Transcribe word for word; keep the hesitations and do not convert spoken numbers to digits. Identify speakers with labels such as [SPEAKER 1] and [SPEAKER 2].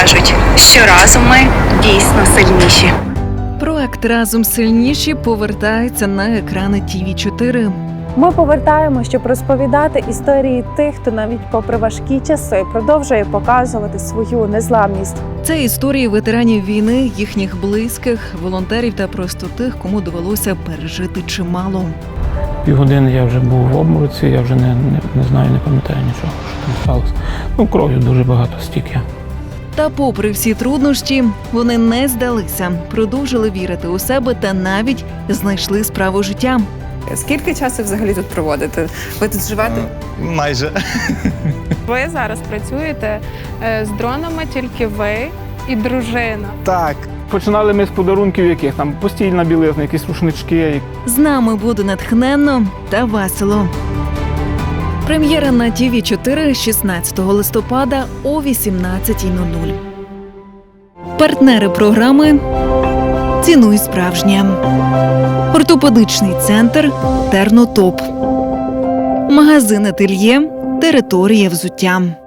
[SPEAKER 1] покажуть, що разом ми дійсно сильніші.
[SPEAKER 2] Проект «Разом сильніші» повертається на екрани Ті Ві чотири.
[SPEAKER 3] Ми повертаємо, щоб розповідати історії тих, хто навіть попри важкі часи продовжує показувати свою незламність.
[SPEAKER 2] Це історії ветеранів війни, їхніх близьких, волонтерів та просто тих, кому довелося пережити чимало.
[SPEAKER 4] Півгодини я вже був в обмороці, я вже не, не, не знаю, не пам'ятаю нічого, що там сталося. Ну, кров'ю дуже багато стік я.
[SPEAKER 2] Та попри всі труднощі, вони не здалися, продовжили вірити у себе та навіть знайшли справу життя.
[SPEAKER 5] Скільки часу взагалі тут проводите? Ви тут живете?
[SPEAKER 6] Майже.
[SPEAKER 7] Ви зараз працюєте з дронами, тільки ви і дружина.
[SPEAKER 6] Так.
[SPEAKER 4] Починали ми з подарунків яких, там постільна білизна, якісь рушнички.
[SPEAKER 2] З нами буде натхненно та весело. Прем'єра на Ті Ві чотири шістнадцятого листопада о вісімнадцятій нуль нуль. Партнери програми «Цінуй справжнє». Ортопедичний центр «Тернотоп». Магазин «Ательє», територія взуття.